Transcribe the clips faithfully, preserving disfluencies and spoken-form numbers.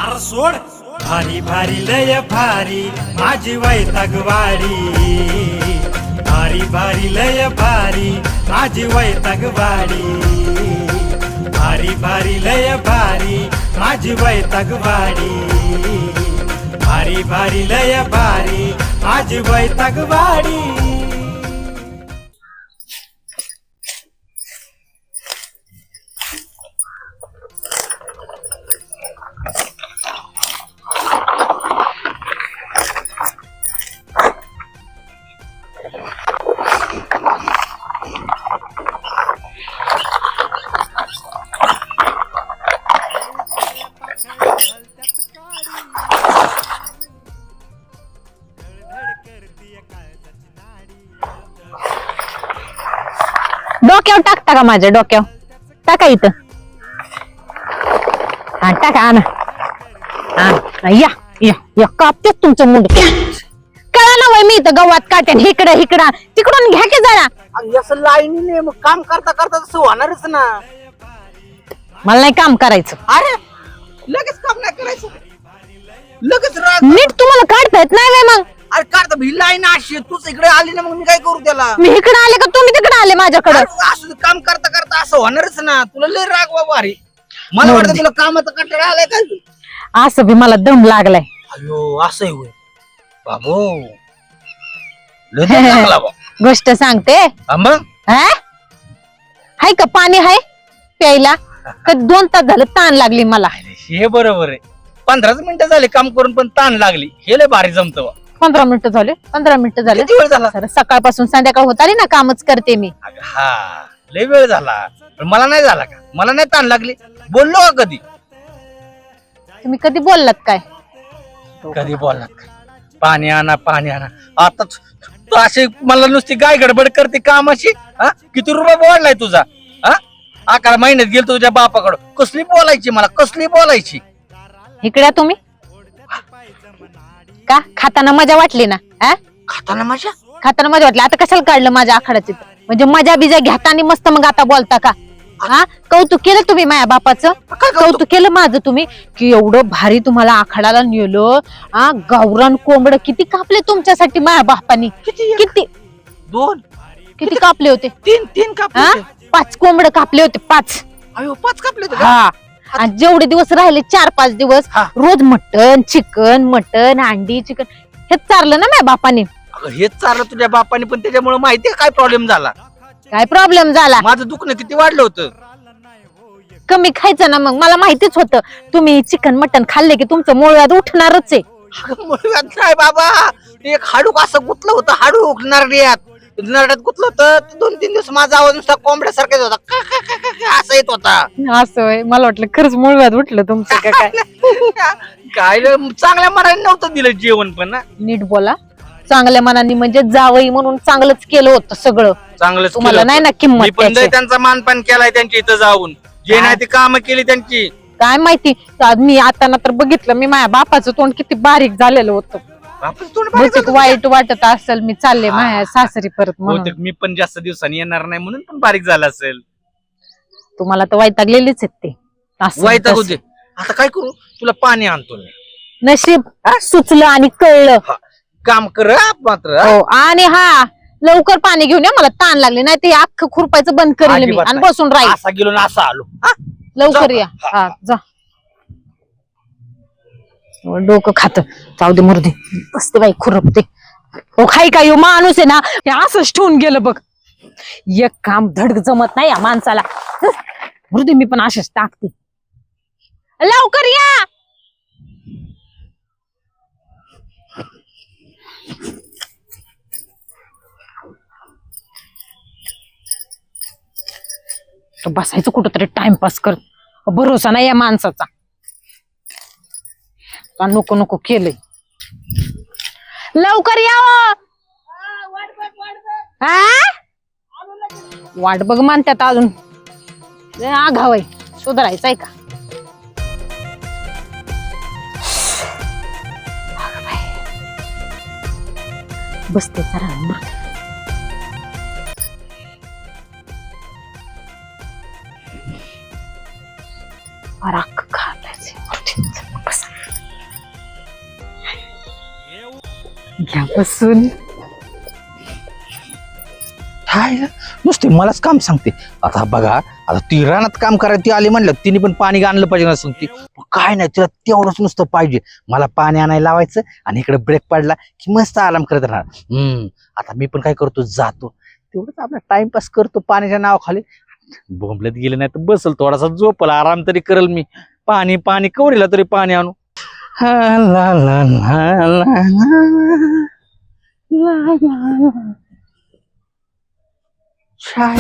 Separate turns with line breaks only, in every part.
R सोड भारी भारी लय भारी माझी वैतागवाडी भारी भारी लय भारी माझी वैतागवाडी भारी भारी लय भारी माझी वैतागवाडी भारी भारी लय भारी माझी वैतागवाडी
डोक्यावर टाकता का माझ्या डोक्यावर टाका इथं हा टाका आणा हा या या या कापतेच तुमचं मुंड कळा ना वय मी इथं गव्हात काटेन इकडं इकडं तिकडून घ्या की जरा
असं लाईनीने मग काम करता करता तसं होणारच ना.
मला नाही काम करायचं.
अरे लगेच काम नाही करायचं लगेच राग
नीट तुम्हाला काढता येत नाही व्हय मग.
अरे काढता ही लाईन अशी तूच इकडे आली ना मग मी काय करू त्याला.
मी इकडे आले का तुम्ही तिकडे आले माझ्याकडे.
असं काम करता करता असं होणारच ना. तुला लय राग बाबा. अरे मला वाटतं तुला कामाचा कंटाळा आलाय काय.
असं बी मला दम लागलाय.
अयो असं होय बाबू लय दम लागला बा.
गोष्ट सांगते
मग
हाय का पाणी हाय प्यायला का दोन तास झालं ताण लागली मला.
हे बरोबर आहे. पंधराच मिनिटं झाले काम करून पण ताण लागली. हे लय भारी जमतं बा.
पंधरा मिनिटं झाले पंधरा मिनिटं झाले.
किती वेळ झाला.
सर सकाळपासून संध्याकाळ होत आली ना कामच करते मी.
हा लय वेळ झाला पण मला नाही झाला का. मला नाही ताण लागली. बोललो का कधी.
तुम्ही कधी बोललात काय.
कधी बोललात का. पाणी आणा पाणी आणा. आता तू अशी मला नुसती गाय गडबड करते कामाशी. हा किती रुपये बोललाय तुझा. हा अकरा महिन्यात गेलो तुझ्या बापाकडं. कसली बोलायची मला कसली बोलायची.
इकडे तुम्ही का खाताना मजा वाटली ना.
खाताना मजा
खाताना मजा वाटली. आता कशाला काढलं माझ्या आखाड्याची. म्हणजे मजा बिजा घेताना मस्त मग आता बोलता का. हा कौतुक केलं तुम्ही माझ्या बापाचं. कौतुक केलं माझं तुम्ही की एवढं भारी तुम्हाला आखाड्याला नेलं. हा गावरान कोंबड किती कापले तुमच्यासाठी माझ्या बापानी. किती
दोन
किती कापले होते.
तीन तीन कापले
हा पाच कोंबड कापले होते पाच.
अयो पाच कापले होते.
हा आणि जेवढे दिवस राहिले चार पाच दिवस रोज मटन चिकन मटन अंडी चिकन हेच चारलं ना माझ्या बापाने.
हेच चाललं तुझ्या बापाने पण त्याच्यामुळे माहितीये काय प्रॉब्लेम झाला.
काय प्रॉब्लेम झाला.
माझं दुखणं किती वाढलं होतं.
कमी खायचं ना मग. मला माहितीच होतं तुम्ही चिकन मटन खाल्ले की तुमचं मुळव्याध उठणारच आहे.
नाही बाबा एक हाडूक असं गुतलं होतं. हाडूक नरड्यात नरड्यात गुतलं होतं. दोन तीन दिवस माझा आवाज नुसता कोंबड्यासारखाच होता. का का का का का असं येत होता.
असं आहे. मला वाटलं खरंच मुळव्याध उठलं तुमचं का काय.
काय चांगल्या मनाने नव्हतं दिलं जेवण पण ना.
नीट बोला. चांगल्या मनाने म्हणजे जावई म्हणून चांगलंच केलं होतं सगळं.
चांगलंच
तुम्हाला नाही ना किंमत
पण
त्याची.
त्यांचा मानपान केलाय त्यांच्या इथं जाऊन. जे नाही ते काम केली त्यांची.
काय माहिती मी आता ना तर बघितलं मी माझ्या बापाचं तोंड किती बारीक झालेलं होतं. बहुतेक वाईट वाटत असेल मी चालले माझ्या सासरी परत म्हणून.
मी पण जास्त दिवसांनी येणार नाही म्हणून पण बारीक झाला असेल.
तुम्हाला तर वैतागलेलीच आहेत ते.
वैताग होते. आता काय करू. तुला पाणी आणतो मी.
नशीब सुचलं आणि कळलं.
काम कर मात्र.
हो आणि हा लवकर पाणी घेऊन या. मला ताण लागले नाही ते अख्खं खुरपायचं बंद करेल मी आणि बसून राहील.
असा गेलो ना असा आलो.
लवकर या. हा जा डोकं खात जाऊ दे मरुदे. बसते बाई खुरपते. हो खाई काय हो माणूस आहे ना हे असंच ठेवून गेलं बघ. एक काम धड जमत नाही या माणसाला. मरुदे मी पण असेच टाकते. लवकर या. बसायचं कुठंतरी टाइमपास कर. भरोसा नाही या माणसाचा. नको नको केलंय. लवकर या. वाट बघ म्हणतात अजून. आघाव आहे सुधारायचंय का. बसते जरा. राख खायचे बस. घ्या बसून.
हाय नुसते मलाच काम सांगते. आता बघा, आता ती रानात काम करायला ती आली म्हणलं तिने पण पाणी आणलं पाहिजे ना सांगते. काय नाही तिला तेवढंच नुसतं पाहिजे. मला पाणी आणायला लावायचं आणि इकडे ब्रेक पडला की मस्त आराम करत राहणार. हम्म आता मी पण काय करतो, जातो तेवढंच आपला टाइमपास करतो पाण्याच्या नावाखाली. बोंबलत गेलं नाही तर बसल थोडासा झोपल, आराम तरी करल मी. पाणी पाणी कवरीला तरी पाणी आणू. हा ला ला ला ला ला ला. शाय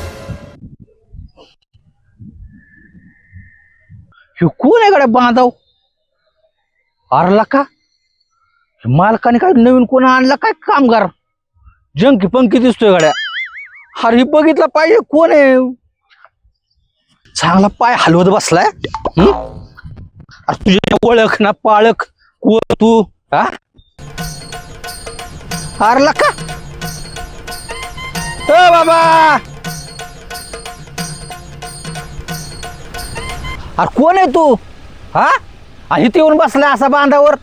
ह्यो कोण आहे गड्या बांधाव? अरला का मालकाने काय नवीन कोण आणला काय कामगार? जंकी पंकी दिसतोय गड्या. अरे हे बघितलं पाहिजे कोण आहे. चांगला पाय हलवत बसलाय. हम्म? अरे तुझी ओळख ना पाळख कोण तू? हा अरला का ओ बाबा? अरे कोण आहे तू? हा आणि इथे येऊन बसलाय असा बांधावर.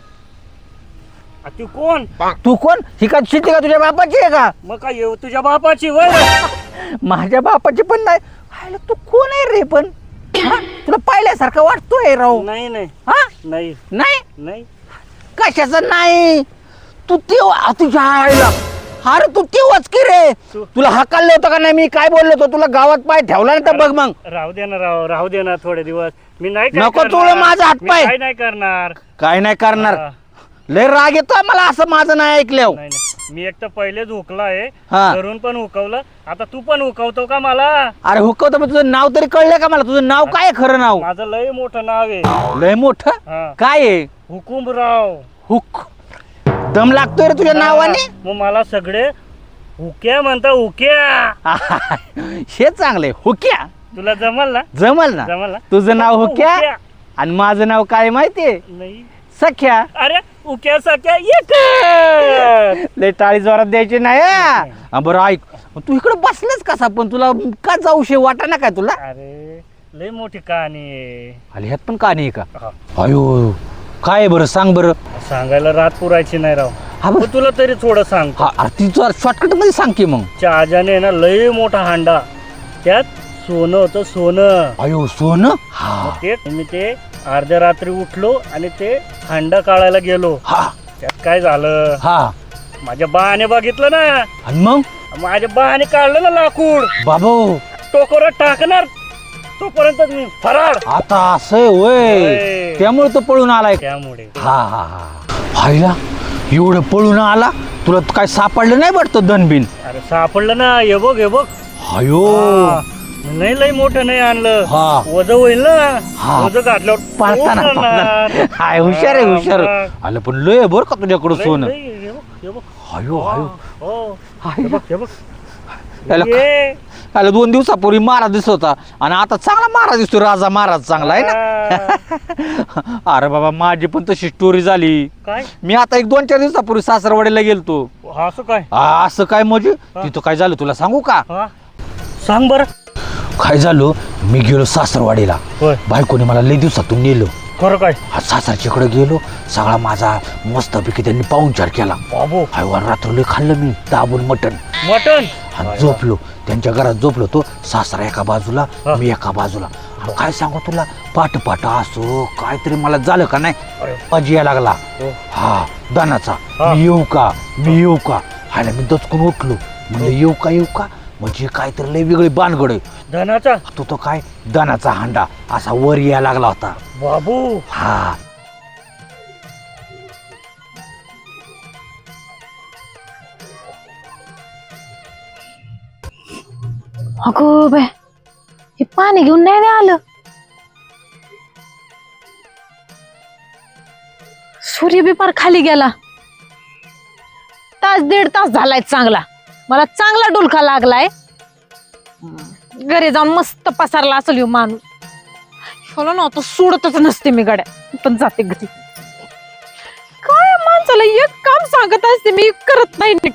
तू कोण?
तू कोण? ही का शेती का तुझ्या बापाची आहे का?
मग काय येऊ तुझ्या बापाची वय?
माझ्या बापाची पण नाही. हायला तू कोण आहे रे पण? हा? तुला पाहिल्यासारखं वाटतोय राव.
नाही नाही
हा
नाही
नाही
नाही
कशाचं नाही? तू तेव्हा तुझ्या आईला. अरे तू तेव्हाच की रे.
तू-
तुला हकाललं होतं का नाही? मी काय बोललो होतो तुला? गावात पाय ठेवला नाही तर बघ मग.
राहू दे ना, राव राहू दे ना थोडे दिवस. मी नाही काय
नको
करणार.
तुला माझा हात
मी
पाय.
काय नाही करणार.
काय नाही करणार.
हा.
लय राग येतोय मला असं माझं नाही ऐकल्यावर.
नाही नाही मी एक तर पहिलेच हुकला आहे.
हा.
घरून पण हुकवलं, आता तू पण हुकवतो का मला?
अरे हुकवतो पण तुझं नाव तरी कळलं का मला? तुझं नाव काय आहे खरं नाव?
माझं लय मोठं नाव आहे.
लय मोठं
हा.
काय आहे?
हुकुमराव.
हुक दम लागतोय रे तुझ्या नावाने.
मग मला सगळे हुक्या म्हणता, हुक्या.
हे चांगलंय हुक्या.
तुला जमल ना?
जमल ना?
जमल ना?
तुझं नाव हुक्या
हुक्या.
आणि माझं नाव काय माहितीये?
नाही.
सख्या.
अरे उक्या सख्या एक.
लय टाळी जोरात द्यायची नाही हा. हा, बरं ऐक, तू इकडे बसलास कसा पण? तुला का जाऊशे वाटा ना काय तुला?
अरे लय मोठी कहाणी आहे.
आली ह्यात पण का नाही का?
हा.
अयो काय आहे बरं सांग बरं.
सांगायला रात पुरायची नाही राव.
हा बरं.
पण तुला तरी थोडं सांग.
हा अरे ती जरा शॉर्टकट मध्ये सांग की मग.
चहाजाने ना लय मोठा हांडा, त्यात सोनं होतं, सोनं.
अयो सोनं. हा
मग ते मी ते अर्ध्या रात्री उठलो आणि ते हांडा काढायला गेलो.
हा
त्यात काय झालं,
हा
माझ्या बाने बघितलं ना.
आणि मग
माझ्या बाने काढलं ना लाकूड,
बाबू
टोकरात टाकणार तोपर्यंत मी फरार.
आता असं वय
होय.
त्यामुळे तो पळून आलाय.
त्यामुळे
हा हा हा हायला एवढं पळून आला. तुला काय सापडलं नाही वाटतं धनबिन?
अरे सापडलं ना. हे बघ हे बघ.
अयो
हा. नाही लय मोठं नाही आणलं.
हा.
वज होईल ना.
हा.
वज घातल्यावर
पाळताना
उचलणार.
पाळताना. हाय हुशार आहे हुशार.
हा,
आलं पण लय बर का तुझ्याकडं
लय-
सोनं.
लय- हे बघ, हे बघ.
अयो अयो
हो.
हाय
हे बघ, हे बघ.
याला
ये.
आलं दोन दिवसापूर्वी महाराज दिसत होता आणि आता चांगला महाराज दिसतो. राजा महाराज चांगला आहे ना.
हा.
अरे बाबा माझी पण तशी स्टोरी झाली.
काय
मी आता एक दोन चार दिवसापूर्वी सासरवाडीला गेलतो.
असं काय?
आ, असं काय म्हणजे तिथं काय झालं तुला सांगू का?
हा सांग बर.
काय झालं, मी गेलो सासरवाडीला.
होय.
बायकोने मला लई दिवसातून नेलं.
खरं काय?
हा सासरच्या कडे गेलो. सगळा माझा मस्तपैकी त्यांनी पाहुणचार केला.
बाबू
हायवान रात्र लई खाल्लं मी दाबून मटण.
मटन.
आणि झोपलो त्यांच्या घरात झोपलो. तो सासरा एका बाजूला,
हा.
मी एका बाजूला. आणि काय सांगू तुला, पाट पाट असो काहीतरी मला झालं का नाही,
अरे.
मजा यायला लागला.
हो.
हा दानाचा.
हा.
मी येऊ का मी येऊ का हायला मी दचकून उठलो. म्हणजे येऊ का येऊ का म्हणजे काहीतरी लई वेगळी बानगड आहे.
धनाचा.
तो तो काय दानाचा हांडा असा वर यायला लागला होता.
बाबू
हा
अगो बाय, हे पाणी घेऊन नाही ना आलं. सूर्य बी पार खाली गेला. तास दीड तास झालाय चांगला. मला चांगला डुलका लागलाय. घरी जाऊन मस्त पसारला असेल ह्यो माणूस. ह्याला ना आता सोडतच नसते मी गड्या, पण जाते घरी. काय माणसाला एक काम सांगत असते मी करत नाही नीट.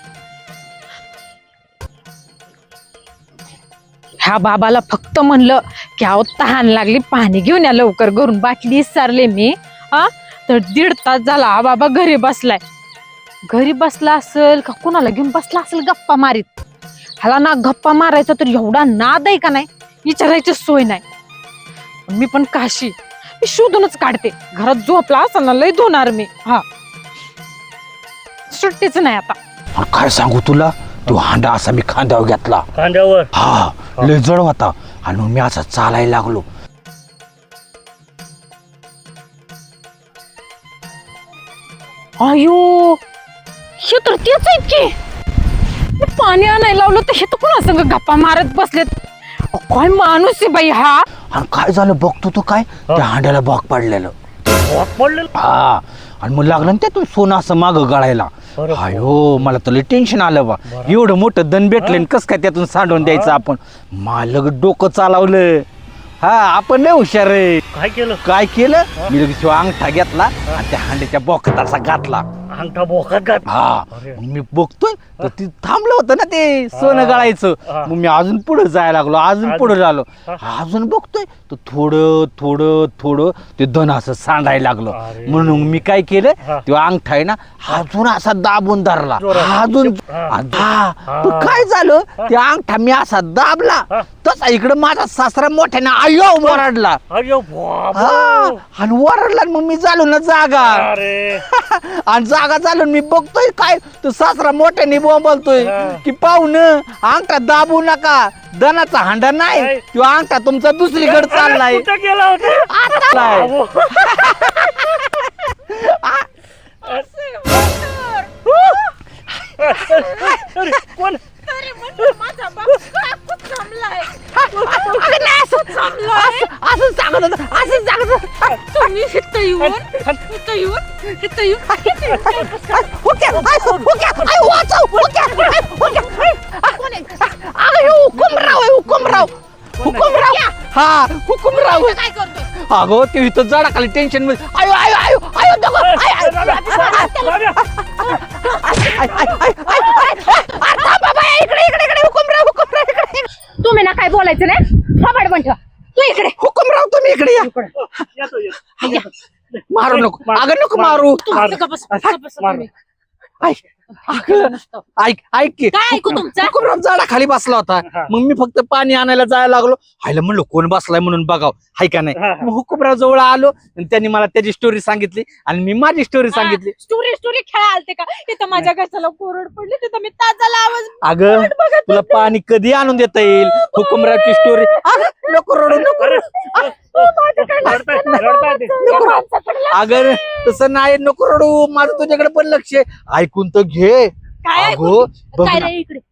ह्या बाबाला फक्त म्हणलं की अहो तहान लागली, पाणी घेऊन या लवकर घरून. बाटली विसरले मी. हा तर दीड तास झाला हा बाबा घरी बसलाय. घरी बसला असेल का कुणाला घेऊन बसला असेल गप्पा मारीत. ह्याला ना गप्पा मारायचा तर एवढा नाद आहे का नाही विचारायची सोय नाही. मी पण काशी मी शोधूनच काढते. घरात झोपला असेल ना लय धुणार मी. हा सुट्टीच नाही आता.
अरे काय सांगू तुला, तो हांडा असा मी खांद्यावर घेतला.
खांद्यावर
हा लय जड होता आणि मग मी असा चालायला लागलो.
अयो हे तर तेच आहेत की. हे पाणी आणायला लावलं तर हे तर कोणा संग गप्पा मारत बसलेत. अहो, काय माणूस आहे बाई हा.
आणि काय झालं बघतो तो काय त्या हांड्याला भाग पडलेलं.
वाक पडलेलं.
हा आणि मग लागलं ना त्यातून सोनं असं माग गळायला.
अरे
अयो मला तर लय टेन्शन आलं बा. एवढं मोठं दन भेटलं कस काय त्यातून सांडून द्यायचं आपण. मालक डोकं चालवलं. हा आपण लय हुशार आहे.
काय केलं?
काय केलं मी लगेच तो अंगठा घेतला आणि त्या हांड्याच्या बोकात असा घातला.
अंगठा बोकात घात.
हा
अरे.
मग मी बघतोय तर ती थांबलं होतं ना ते सोनं गळायचं.
हा.
मग मी अजून पुढे जायला लागलो अजून
अजून?
पुढे झालो.
हा.
अजून बघतोय तर थोडं थोडं थोडं ते धन असं सांडायला लागलं.
अरे.
म्हणून मी काय केलं
हा.
तो अंगठा आहे ना अजून असा दाबून धरला.
जोरात.
अजून
हा.
हा पण
हा.
काय झालं ते अंगठा मी असा दाबला
हा.
तसा इकडे माझा सासरा मोठ्याने आयो ओरडला.
अरे बाबा.
हा आणि ओरडला आणि मग मी झालो ना जागा.
अरे
आणि जागा चालून मी बघतोय काय तो सासरा मोठ्याने बोलतोय
हा.
की पाहुण अंगठा दाबू नका दनाचा हांडा नाही
काय?
तो अंगठा तुमचा दुसरीकडे चाललाय.
कुठं गेला होता?
चाललाय.
अहो. अरे, कोण?
असं सांगत होतं, असं सांगत होतं.
तुम्ही इथं येऊन इथं येऊन इथं येऊन
हुक्या, आय, हुक्या, आय, वाचव, हुक्या, आय, हुक्या, आय, अगं, हे हुकुमराव आहे, हुकुमराव हुकुमराव हा हुकुमराव
काय करतोय.
अगं ते इथं जडा खाली टेन्शन मध्ये आयो आयो आयो आयो दगो आय आय
राजा.
आय आय आय आय बाबा इकडे इकडे इकडे हुकुमराव हुकुमराव इकडे
तुम्ही ना काय बोलायचं नाही. थोबाड बंद ठेवा. तू इकडे
हुकुमराव तुम्ही इकडे या
येतो, येतो.
मारू नको अगं नको मारू
मार.
गप्प बस, गप्प बस
मार.
तुम्ही.
ऐक अगं, ऐक ऐक की
काय ऐकू तुमचं?
हुकुमराव झाडा खाली बसला होता.
हा.
मग मी फक्त पाणी आणायला जायला लागलो. हायला म्हणलो कोण बसलाय म्हणून बघाव हाय का नाही.
हा, हा.
मग हुकुमराव जवळ आलो आणि त्यांनी मला त्याची स्टोरी सांगितली आणि मी माझी स्टोरी सांगितली.
स्टोरी स्टोरी खेळा आलते का तिथं माझ्या घरच्याला कोरड पडली तिथं मी ताजाला आवाज
अगं
बघत
तुला पाणी कधी आणून देता येईल हुकुमरावची स्टोरी. नको रडू नको रडू.
रडताय, रडताय ते.
नको रडू. अगं तसं नाही नको रडू माझं तुझ्याकडे पण लक्ष आहे. ऐकून तर घे.
काय ऐकून
अगो बघ
काय
ना.
रे इकडे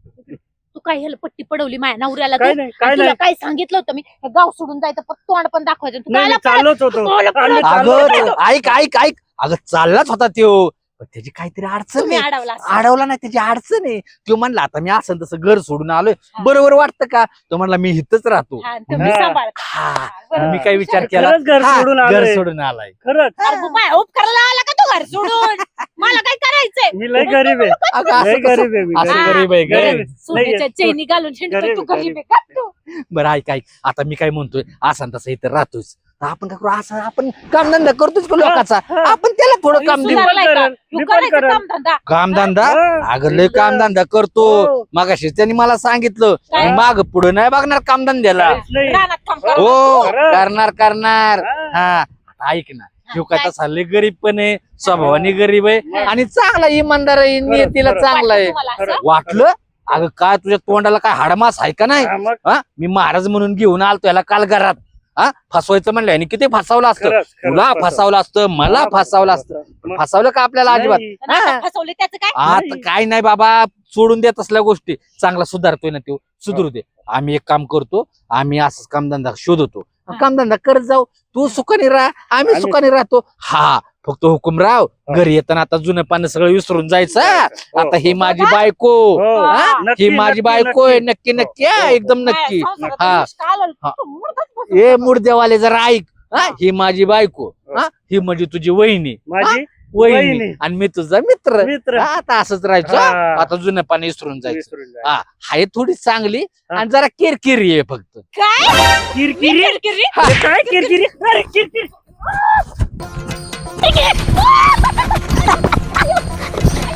तू काय ह्याला पट्टी पडवली माझ्या नवऱ्याला
काय
तू?
नाही, काय
आणि तुला
नाही.
काय सांगितलं होतं मी हे गाव सोडून जायचं पण तोंड पण दाखवायचं तू
नाही,
कायला
नाही, चाललोच होतो.
तुम्हाला
आम्ही
परत-
चाललो
अगं
होतो.
ते- ऐक ऐक ऐक अगं चाललाच होता त्यो पण त्याची काहीतरी अडचण
तुम्ही
आहे.
अडवला असेल.
अडवला नाही त्याची अडचण आहे. तो म्हणला आता मी असं तसं घर सोडून आलोय
हा.
बरोबर वाटतं का तो म्हणला मी इथंच राहतो.
हा, तुम्ही
हा.
सांभाळ.
हा
बरं.
मी काय विचार केला
खरंच घर
हा,
सोडून
घर
आलोय.
सोडून आलाय.
खरंच
अरे बाबा, उपकाराला आला का तू घर सोडून मला काय करायचंय.
मी लय गरीब आहे.
अगं,
लय
असं कसं-
गरीब आहे मी,
असं
गरीब.
गरीब आहे
गरीब
गरीब.
आहे.
सोन्याच्या चैनी घालून
गरीब,
हिंडतोय तू गरीब
गरीब.
आहे का तू?
बरं ऐक ऐक आता मी काय म्हणतोय असं न तसं इथं राहतोच तर आपण काय करू असं आपण कामधंदा करतोच का लोकांचा
हा.
आपण त्याला थोडं काम देऊ.
सुधारलाय का?
करेल,
तू
मी पण
करायचं
करेल.
कामधंदा.
कामधंदा
हा.
अगं लय कामधंदा करतो
हो.
मगाशी त्यांनी मला सांगितलं
काय?
मी माग पुढे नाही बघणार कामधंद्याला.
काहीच नाही.
रानात काम कर.
हो
खरं.
करणार करणार
हा.
हा आता ऐक ना ह्यो काय
काय?
तसा लय गरीब पण आहे स्वभावाने गरीब आहे
हा.
आणि चांगला इमानदार आहे नियतीला
खरं.
चांगला आहे.
तुम्हाला असं?
खरं.
वाटलं अगं काय तुझ्या तोंडाला काय हाडमास आहे का नाही
हा, मग
हा मी महाराज म्हणून घेऊन आलतो याला काल घरात हा फसवायचं म्हणलं आणि किती फसवलं असतं
खरंच, खरंच,
तुला
खरंच.
फसवलं असतं मला फसवलं असतं पण
मग
फसवलं का आपल्याला अजिबात
नाही.
आणि आता फसवले त्याचं काय.
आता
नाही.
काय नाही बाबा सोडून देत असल्या गोष्टी चांगला सुधारतोय ना तो सुधरू दे. आम्ही एक काम करतो आम्ही असंच कामधंदा शोधतो
हा.
कामधंदा करत जाऊ तू सुखाने राहा आम्ही
आम्ही-
सुखाने राहतो. हा फक्त हुकुमराव
हा.
घरी येताना आता जुनं पानं सगळं विसरून जायचं
हो,
आता ही
हो.
माझी बायको
हो.
हा?
नक्की,
ही माझी
नक्की,
बायको आहे नक्की
हो,
नक्की हा,
हो.
एकदम
काय
नक्की
संसारात
हा.
विष का आलं?
हा.
तू मुर्दाच बसून
ए
होता.
मुर्देवाले जरा ऐक हा
हा.
ही माझी बायको हा ही म्हणजे तुझी वहिनी
माझी
वहिनी
वहिनी.
आणि मी तुझा मित्र
मित्र.
हा, आता असंच राहायचं हा.
हा.
आता जुनं पाणी विसरून जायचं
विसरून जायचं.
हा हाय थोडी चांगली
हा.
आणि जरा किरकिरी आहे फक्त.
काय
किरकिरी
किरकिरी?
अरे काय किरकिरी अरे किरकिरी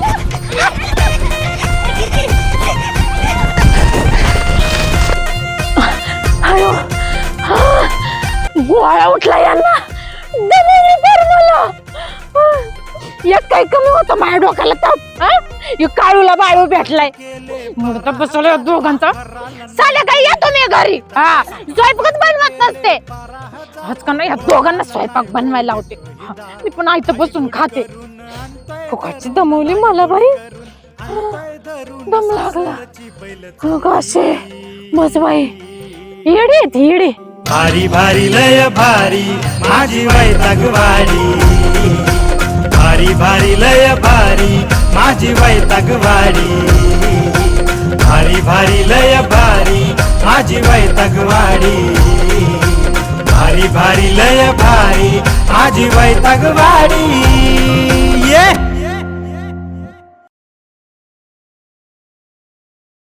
गोळा उठला यांना दमवली तर मला एक काही कमी होतं माझ्या डोक्याला ताप हा? हे काळूला बाळू भेटलाय मुडता बसवलं दोघांचा साल्या काही येतो मी घरी हा स्वयंपाकच बनवत नसते आज का नाही या दोघांना स्वयंपाक बनवायला लावते हा, मी पण आयतं बसून खाते फुकाची दमवली मला बाई दम लागला कसे बस बाई येडे आहेत, येडे
भारी भारी लय भारी माझी वैतागवाडी भारी भारी लय भारी माझी वैतागवाडी भारी भारी लय भारी माझी वैतागवाडी भारी भारी लय भारी माझी वैतागवाडी